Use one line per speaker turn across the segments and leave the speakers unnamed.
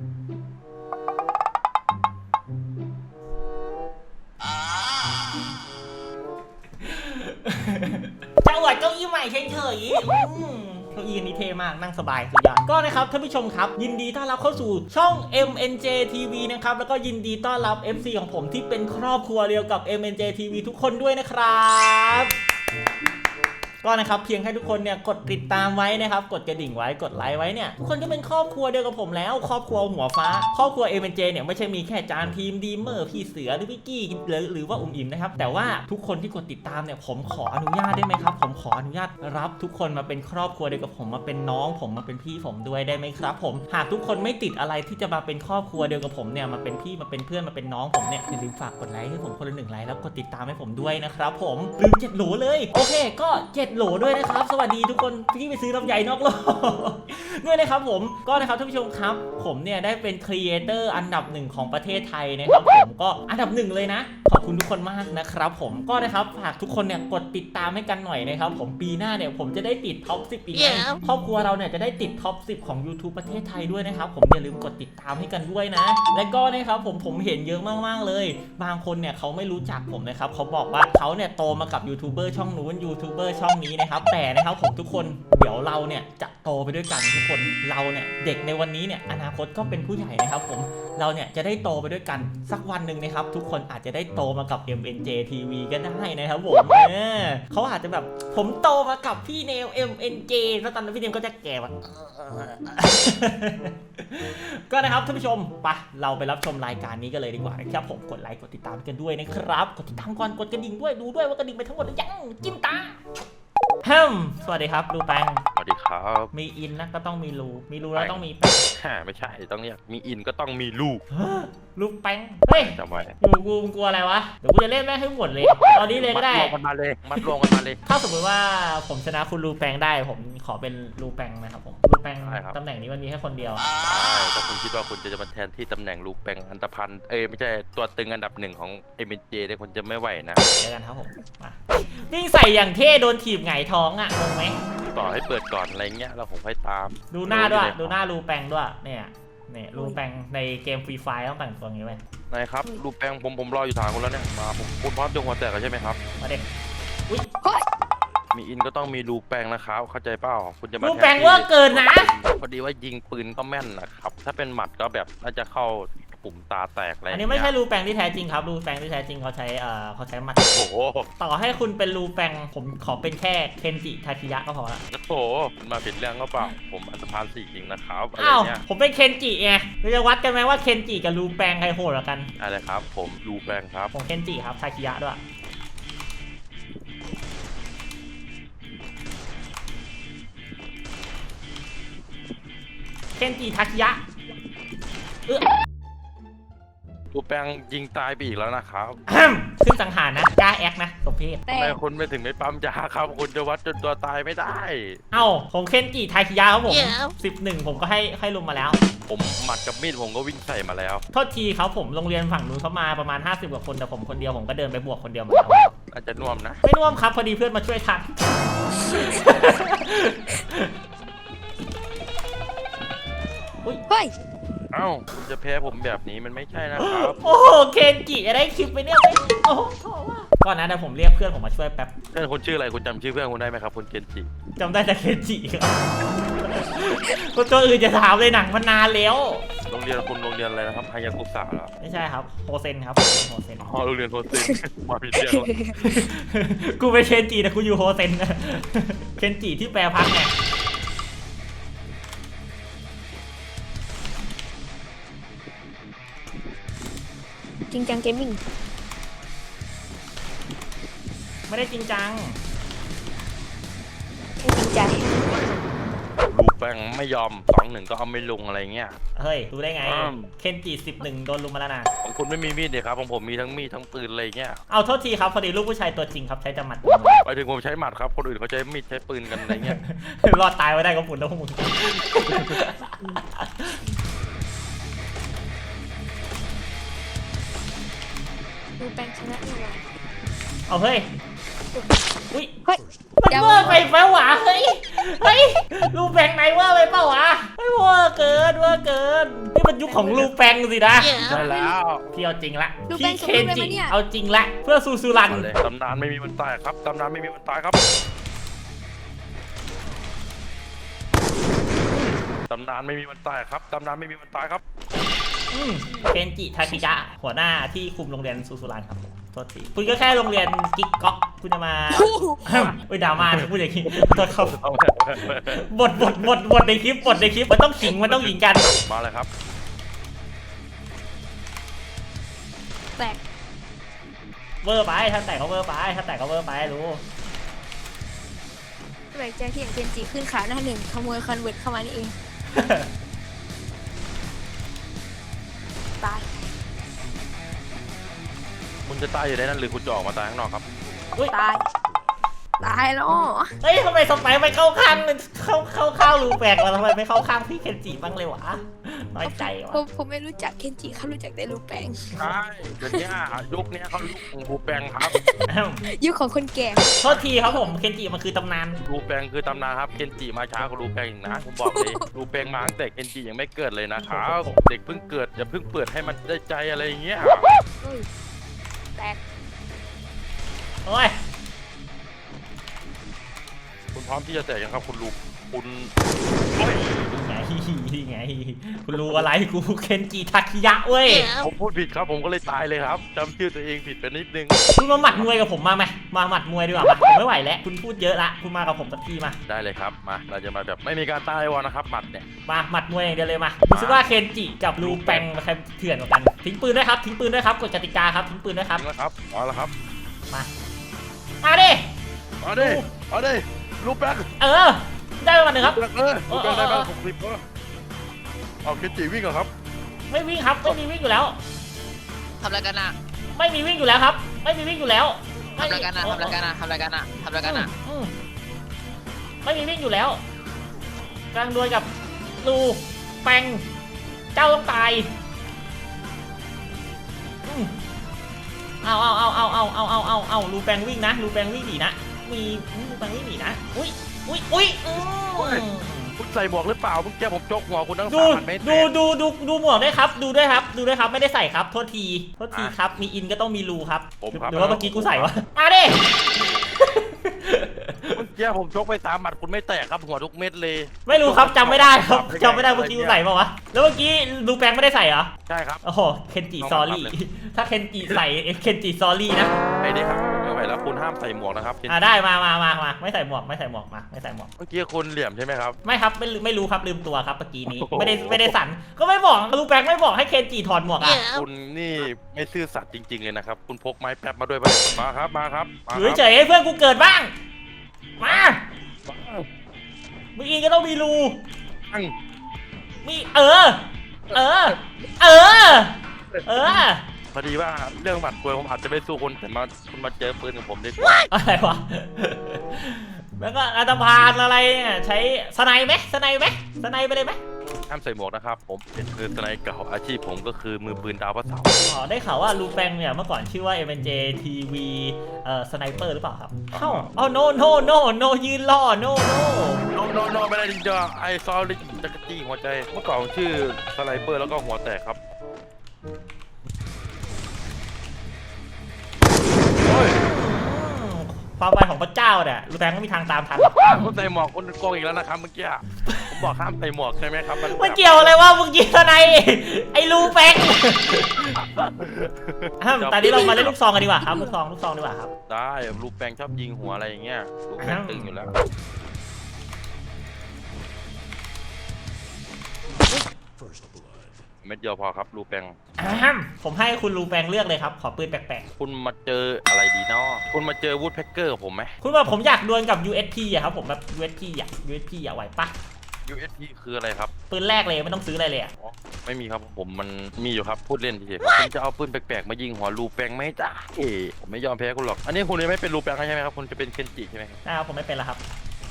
จะอวดเก้าอี้ใหม่เฉยๆเก้าอี้นี้เท่มากนั่งสบายสุดยอดก็นะครับท่านผู้ชมครับยินดีต้อนรับเข้าสู่ช่อง MNJ TV นะครับแล้วก็ยินดีต้อนรับ FC ของผมที่เป็นครอบครัวเดียวกับ MNJ TV ทุกคนด้วยนะครับก็นะครับเพียงให้ทุกคนเนี่ยกดติดตามไว้นะครับกดกระดิ่งไว้กดไลค์ไว้เนี่ยทุกคนก็เป็นครอบครัวเดียวกับผมแล้วครอบครัวหัวฟ้าครอบครัว MNJ เนี่ยไม่ใช่มีแค่จานทีมดีเมอร์พี่เสือหรือพี่กี้หรือว่าอุ่มอิ่มนะครับแต่ว่าทุกคนที่กดติดตามเนี่ยผมขออนุญาตได้ไหมครับผมขออนุญาตรับทุกคนมาเป็นครอบครัวเดียวกับผมมาเป็นน้องผมมาเป็นพี่ผมด้วยได้ไหมครับผมหากทุกคนไม่ติดอะไรที่จะมาเป็นครอบครัวเดียวกับผมเนี่ยมาเป็นพี่มาเป็นเพื่อนมาเป็นน้องผมเนี่ยอย่าลืมฝากกดไลค์ให้ผมคนละ1 ไลค์แล้วกดติดตามให้ผมด้วยนะครับผมลืม7 โหลเลยโอเคก็7 โหลด้วยนะครับสวัสดีทุกคนที่ไปซื้อลำไยนอกโลกด้วยนะครับผมก็นะครับท่านผู้ชมครับผมเนี่ยได้เป็นครีเอเตอร์อันดับ1ของประเทศไทยนะครับผมก็อันดับ1เลยนะขอบคุณทุกคนมากนะครับผมก็นะครับฝากทุกคนเนี่ยกดติดตามให้กันหน่อยนะครับผมปีหน้าเนี่ยผมจะได้ติดท็อป 10อีกนะครอบครัวเราเนี่ยจะได้ติดท็อป 10ของ YouTube ประเทศไทยด้วยนะครับผมอย่าลืมกดติดตามให้กันด้วยนะและก็นะครับผมเห็นเยอะมากๆเลยบางคนเนี่ยเขาไม่รู้จักผมนะครับเขาบอกว่าเขาเนี่ยโตมากับยูทูบเบอร์ช่องนู้นยูทูบเบอร์ช่องนี้นะครับแต่นะครับผมทุกคนเดี๋ยวเราเนี่ยจะโตไปด้วยกันทุกคนเราเนี่ยเด็กในวันนี้เนี่ยอนาคตก็เป็นผู้ใหญ่นะครับผมเราเนี่ยจะได้โตไปด้วยกันสักวันหนึ่งนะครับทุกคนอาจจะได้โตมากับ MNJ TV ก็ได้นะครับผมเขาอาจจะแบบผมโตมากับพี่เนว MNJ แล้วตอนนั้นพี่เนวก็จะแก่แบบก็นะครับท่านผู้ชมไปเราไปรับชมรายการนี้กันเลยดีกว่านะครับผมกดไลค์กดติดตามกันด้วยนะครับกดติดตามก่อนกดกระดิ่งด้วยดูด้วยว่ากระดิ่งไปทั้งหมดหรือยังจิ้มตาสวัสดีครับรูแปง
สวัสดีครับ
มีอินนะก็ต้องมีรูแล้วต้องมีแปง
ไม่ใช่ต้องเรียกมีอินก็ต้องมีลูก
ลูกแปงเฮ้ย
ทำไม
อยู่กูกลัวอะไรวะเดี๋ยวกูจะเล่นแม่งให้หมดเลยตอนนี้เลยก็ได้
มัดรวมกันมาเลย
ถ้าสมมติว่าผมชนะคุณรูแปงได้ผมขอเป็นรูแปงนะครับผมรูแปงตำแหน่งนี้มันมีแค่คนเดียว
ถ้าคุณคิดว่าคุณจะมาแทนที่ตำแหน่งลูกแปงอันตพันไม่ใช่ตัวตึงอันดับ1ของ MNJ เนี่ยคุณจะไม่ไหวนะ
เดี๋ยวกันครับผมวิ่งใส่อย่างเท่โดนถีบไงท้องอ่ะงงไหม
ต่อให้เปิดก่อนอะไรเงี้ยแล้วผมให้ตาม
ดูหน้าด้วยดูหน้ารูแปงด้วยเนี่ยรูแปงในเกมฟรีไฟต้องแต่งตัวงี้ไหม
นายครับรูแปงผมรออยู่ทางคุณแล้วเนี่ยมาคุณพร้อมจงหัวแตกใช่ไหมครับ
มาเด็ก
มีอินก็ต้องมีรูแปงนะครับเข้าใจเปล่าคุณจะมา
รูแปงว่าเกินนะ
พอดีว่ายิงปืนก็แม่นนะครับถ้าเป็นหมัดก็แบบน่าจะเข้าปุ่มตาแตกอะไร
อันนี้ไม่ใช่รูแปงที่แท้จริงครับรูแปงที่แท้จริงเขาใช้หมัด
โอ้โห
ต่อให้คุณเป็นรูแปงผมขอเป็นแค่เคนจิทาคิยะก็พอละ
โอ้โหมาผิดเรื่องก็เปล่าผมอันธพาล4จริงนะครับอะไรเงี้ย
ผมเป็นเคนจิไงเราจะวัดกันไหมว่าเคนจิกับรูแปงใครโหดกว่ากัน
อะไรครับผมรูแปงครับ
ผมเคนจิครับทาคิยะด้วยเคนจิทาคิยะ
รูแปงยิงตายไปอีกแล้วนะครับ
ซึ่งสังหารนะกล้าแอคนะสมเพศ
ทำไมคุณไม่ถึงไม่ปั๊มยาครับคุณจะวัดจนตัวตายไม่ได้
ผมเคนจิทาคิยะครับผม11ผมก็ให้ลงมาแล้ว
ผมหมัดกับมีดผมก็วิ่งใส่มาแล้ว
โทษทีครับผมโรงเรียนฝั่งนู้นเขามาประมาณ50 กว่าคนแต่ผมคนเดียวผมก็เดินไปบวกคนเดียวมาแล้ว
อาจจะน่วมนะ
ไม่น่วมครับพอดีเพื่อนมาช่วยทัน
เฮ้ย
คุณจะแพ้ผมแบบนี้มันไม่ใช่นะครับ
โอ้โหเคนจิอะไรคลิปไปเนี่ยโอ้โหก่อนนะเดี๋ยวผมเรียกเพื่อนผมมาช่วยแป๊บ
เพื่อนคุณชื่ออะไรคุณจำชื่อเพื่อนคุณได้ไหมครับคุณเคนจิ
จำได้แต่เคนจิครับคนตัวอื่นจะถามเลยหนังมันนานแล้ว
โรงเรียนอะไรนะครับฮายากุสะเหรอ
ไม่ใช่ครับโฮเซนครับโฮเซน
โรงเรียนโฮเซนมาผิดเรื่อง
กูเป็นเคนจิแต่กูอยู่โฮเซนเคนจิที่แปลพักไง
จริงจังเกมมิ่ง
ไม่ได้จริงจัง
แค่จริงใจ
รูแปงไม่ยอม2-1ก็เอาไม่ลงอะไรเงี้ย
เฮ้ยรู้ได้ไงเคนจิ11โดนลุมมาแล้วนะ
ของคุณไม่มีมีดเลยครับของผมมีทั้งมีดทั้งปืนอะไรเงี้ย
เอาโทษทีครับพอดีลูกผู้ชายตัวจริงครับใช้แต่หมัด
ไปถึงผมใช้หมัดครับคนอื่นเขาใช้มีดใช้ปืนกันอะไรเงี้ย
รอดตายไว้ได้ก็ฝุ่นแล้วพวกมึง
รูแปงชนะนี่หว่า
เอาเฮ้ยอุ้ย
เฮ้ย
มันเวอร์ไปแปลว่าเฮ้ยเฮ้ยรูแปงไหนเวอร์ไปเปล่าวะไม่เวอร์เกินนี่มันยุคของรูแปงสินะ
ได้แล้ว
พี่เอาจริงละ
รูแป
พี่
ง
เคน
ส่งรูป
จิ
เลยมั้ยเนี่ย
เอาจริงละเพื่อซูรัน
มาเลยตำนานไม่มีวันตายครับตำนานไม่มีวันตายครับตำนานไม่มีวันตายครับตำนานไม่มีวันตายครับ
เคนจิทาคิยะหัวหน้าที่คุมโรงเรียนซูรันครับโทษทีคุณก็แค่โรงเรียนกิ๊กก๊อกคุณจะมาเฮ้ยดราม่าพูดอย่างนี้โทษครับบทในคลิปมันต้องขิงมันต้องหญิงกัน
มาเลยครับ
แตก
เวอร์ไปถ้าแต่ก็เวอร์ไปรู้
แปลกใจที่เห็นเจนจิขึ้นขาหน้าหนึ่งขโมยคอนเวิร์ตเข้ามานี่เองตาย
คุณจะตายอยู่ในนั้นหรือคุณจะออกมาตายข้างนอกครับ
ตายแล้วอ๋อ
เฮ้ยทำไมสไปร์ไปเข้าข้างเข้ารูแปลกวะทำไมไม่เข้าข้างพี่เคนจิบ้างเลยวะน้อยใจวะ
ผมไม่รู้จักเคนจิเขารู้จักแต่รูปแปลง
ใช่เดี๋ยวนี้ยุคนี้เขายุคของรูแปงครับ
ยุคของคนแก่
โทษทีครับผมเคนจิมันคือตำนาน
รูแปงคือตำนานครับเคนจิมาช้ากว่ารูแปงอีกนะผมบอกเลยรูแปงมาตั้งแต่เคนจิยังไม่เกิดเลยนะครับเด็กเพิ่งเกิดอย่าเพิ่งเปิดให้มันได้ใจอะไรอย่างเงี้ย
เฮ้ยแตก
โอ้ย
คุณพร้อมที่จะแตกยังครับคุณลูกคุณ
นี่ไงคุณรู้อะไรกูเคนจิทาคิยะเว้ย
ผมพูดผิดครับผมก็เลยตายเลยครับจำชื่อตัวเองผิดไปนิดนึง
คุณมาหมัดมวยกับผมมาไหมมาหมัดมวยดีกว่ามาผมไม่ไหวแล้วคุณพูดเยอะละคุณมากับผมสักทีมา
ได้เลยครับมาเราจะมาแบบไม่มีการตายวอนะครับหมัดเนี่ย
มาหมัดมวยอย่างเดียวเลยมาดูซิว่าเคนจิกับรูแปงใครเถื่อนกว่ากันทิ้งปืนด้วยครับกฎกติกาครับทิ้งปืนด้วยครับ
จริงแล้วครับเอาละครับ
มาดิ
เอาดิเอาดิรูแปง
ได้ประมาณหนึ่งครับ
รูแปงได้บ้าง60เอาเคนจิวิ่งเหรอครับ
ไม่วิ่งครับไม่มีวิ่งอยู่แล้ว
ทำอะไรกันอ่ะ
ไม่มีวิ่งอยู่แล้วครับ ไม่มีวิ่งอยู่แล้ว
ทำอะไรกันอ่ะทำอะไรกันอ่ะทำอะไรกันอ่ะทำอะไรกันอ่ะ
ไม่มีวิ่งอยู่แล้วกำลังดวลกับรูแปงเจ้าต้องตายเอารูแปงวิ่งนะรูแปงวิ่งหนีนะมีรูแปงวิ่งหนีนะอุ้ย
คุณใส่หมวกหรือเปล่าเมื่อกี้ผมจกหัวคุณทั้ง
ดู
3 เมตร
ดูหมวกด้วยครับดูด้วยครับไม่ได้ใส่ครับโทษทีครับมีอินก็ต้องมีรูครับ
ผมครับ
หรือว่าเมื่อกี้กูใส่วะมาดิ
เมื่อกี้ผมชกไป3 หมัดคุณไม่แตกครับหัวทุกเม็ดเลย
ไม่รู้ครับจำไม่ได้ครับจำไม่ได้เมื่อกี้กูใส่เปล่าวะแล้วเมื่อกี้รูแปงไม่ได้ใส่เหรอ
ใช่ครับ
โอ้โหเคนจิซอรี่ถ้าเคนจิใส่เคนจิซอรี่นะ
ไอ้นี่ครับผมไม่ไหวแล้วคุณห้ามใส่หมวกนะครับ
ได้มาไม่ใส่หมวกมาไม่ใส่หมวก
เมื่อกี้คุณเหลี่ยมใช่ไหมครับ
ไม่ครับไม่รู้ครับลืมตัวครับเมื่อกี้นี้ไม่ได้สั่นก็ไม่บอกรูแปงไม่บอกให้เคนจิถอดหมวกอ่ะ
คุณนี่ไม่ซื่อสัตย์จริงๆเลยนะครับคุณพกไม้แป๊บมาด้วยป่ะมาครับมาครับ
อยู่เฉยๆให้เพื่อนกูเกิดบ้างมามึงอินก็ต้องมีรูมี
พอดีว่าเรื่องหมัดมวยผมอาจจะไม่สู้คุณแต่คุณมาเจอปืนกับผมดีกว่า
อะไรวะแล้วก็อันตพานอะไรเนี่ยใช้สไนไหมสไนไปเลยไหม
ห้ามใส่หมวกนะครับผมเป็นคือสไนเก่าอาชีพผมก็คือมือปืนดาวพระเสาร์
อ๋อได้ข่าวว่าลูแปงเนี่ยเมื่อก่อนชื่อว่า MNJ TV สไนเปอร์หรือเปล่าครับเข้าอ๋อ no ยืนล่อ no
โนไม่ได้จริงๆไอซอลิจักรจี้หัวใจเมื่อก่อนชื่อสไนเปอร์แล้วก็หัวแตกครับ
ความไวของพระเจ้าเนี่ยลูแปงไม่มีทางตามทัน
คุณใส่หมวกคุณโกงอีกแล้วนะครับเมื่อกี้ผมบอกห้ามใส่หมวกใช่ไหมครับ
มันเกี่ยวอะไรว่ามึงยิงสไนไอ้ลูแปงตอนนี้เรามาเล่นลูกซองกันดีกว่าครับลูกซองดีกว่าครับ
ได้ลูกแปงชอบยิงหัวอะไรอย่างเงี้ยลูกแปงตึงอยู่แล้วเม็ดเดียวพอครับลูกแปง
ผมให้คุณลูแปงเลือกเลยครับขอปืนแปลก
คุณมาเจออะไรดีเนาะคุณมาเจอวูดแพ็กเกอร์กับผมไหม
ๆคุณแบบผมอยากดวลกับ USP อะครับผมแบบ USP อะไหวปะ
USP คืออะไรครับ
ปืนแรกเลยไม่ต้องซื้ออะไรเลยอะ
อ๋อไม่มีครับผมมันมีอยู่ครับพูดเล่นเฉยๆคุณจะเอาปืนแปลกๆมายิงหัวลูแปงไหมจ้าผมไม่ยอมแพ้คุณหรอกอันนี้คุณยังไม่เป็นลูแปงใช่ไหมครับคุณจะเป็นเคนจิใช่ไหมครับ
นะครับผมไม่เป็นแล้วครับ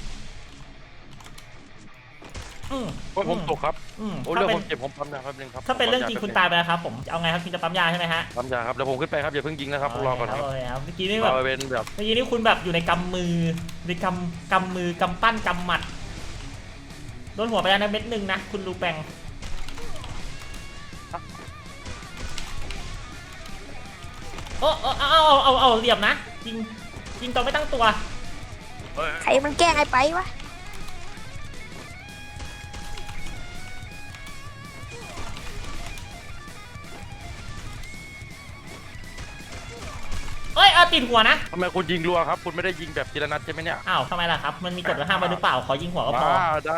ผมตกครับโอ้
ถ้า
เรื่อง
เป็น
ผมเจ็บผมปั๊มยาแป๊บนึงครับ
ถ้าเป็นเรื่องจริงคุณตายไปแล้วครับผมจะเอาไงครับคุณจะปั๊มยาใช่ไหมฮะ
ปั๊มยาครับเดี๋ยวผมขึ้นไปครับอย่าเพิ่งยิงนะครับรอก่อนครับ
เมื่อกี้นี่แบบ
เราเป็นแบบ
เมื่อกี้นี่คุณแบบอยู่ในกำมือในกำมือกำปั้นกำหมัดโดนหัวไปแล้วนะเม็ดหนึ่งนะคุณลูแปงโอ้เอาเหลี่ยมนะยิงตอนไม่ตั้งตัว
ใครมันแกล้งไอ้ไปวะ
เอ้ยติดหัวนะ
ทำไมคุณยิงรัวครับคุณไม่ได้ยิงแบบทีละนัดใช่ไหมเนี่ย
อ้าวทำไมล่ะครับมันมีกฎห้ามไว้หรือเปล่าขอยิงหัวก็พอ
ได้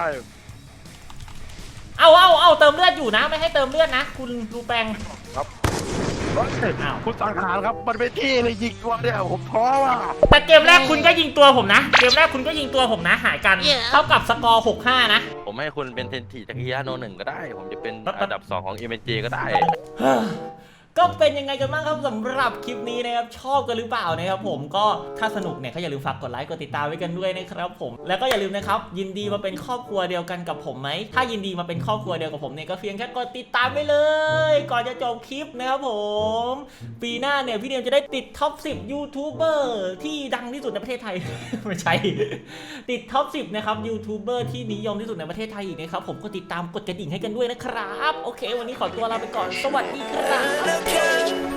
เอาเติมเลือดอยู่นะไม่ให้เติมเลือดนะคุณลูแปง
ครับ
อ้าว
คุณสังหารครับมันไม่ที่เลยยิงตัวเนี่ยผมท้อว่ะ
แต่เกมแรกคุณก็ยิงตัวผมนะเกมแรกคุณก็ยิงตัวผมนะหายกันเท่ากับสกอร์6-5นะ
ผมให้คุณเป็นเทนทีจักรยานโนหนึ่งก็ได้ ผมจะเป็นอันดับ 2 ของ MNJ ก็ได้
ก็เป็นยังไงกันบ้างครับสำหรับคลิปนี้นะครับชอบกันหรือเปล่านะครับผมก็ถ้าสนุกเนี่ยก็อย่าลืมฝากกดไลค์กดติดตามไว้กันด้วยนะครับผมแล้วก็อย่าลืมนะครับยินดีมาเป็นครอบครัวเดียวกันกับผมไหมถ้ายินดีมาเป็นครอบครัวเดียวกับผมเนี่ยก็เพียงแค่กดติดตามไปเลยก่อนจะจบคลิปนะครับผมปีหน้าเนี่ยพี่เดียมจะได้ติดท็อป 10 ยูทูบเบอร์ที่ดังที่สุดในประเทศไทย ไม่ใช่ติดท็อป 10 นะครับยูทูบเบอร์ที่นิยมที่สุดในประเทศไทยอีกนะครับผมก็ติดตามกดกระดิ่งให้กันด้วยนะครับโอเควันนี้ขอตัวลาไปก่อนสวัสดีครับ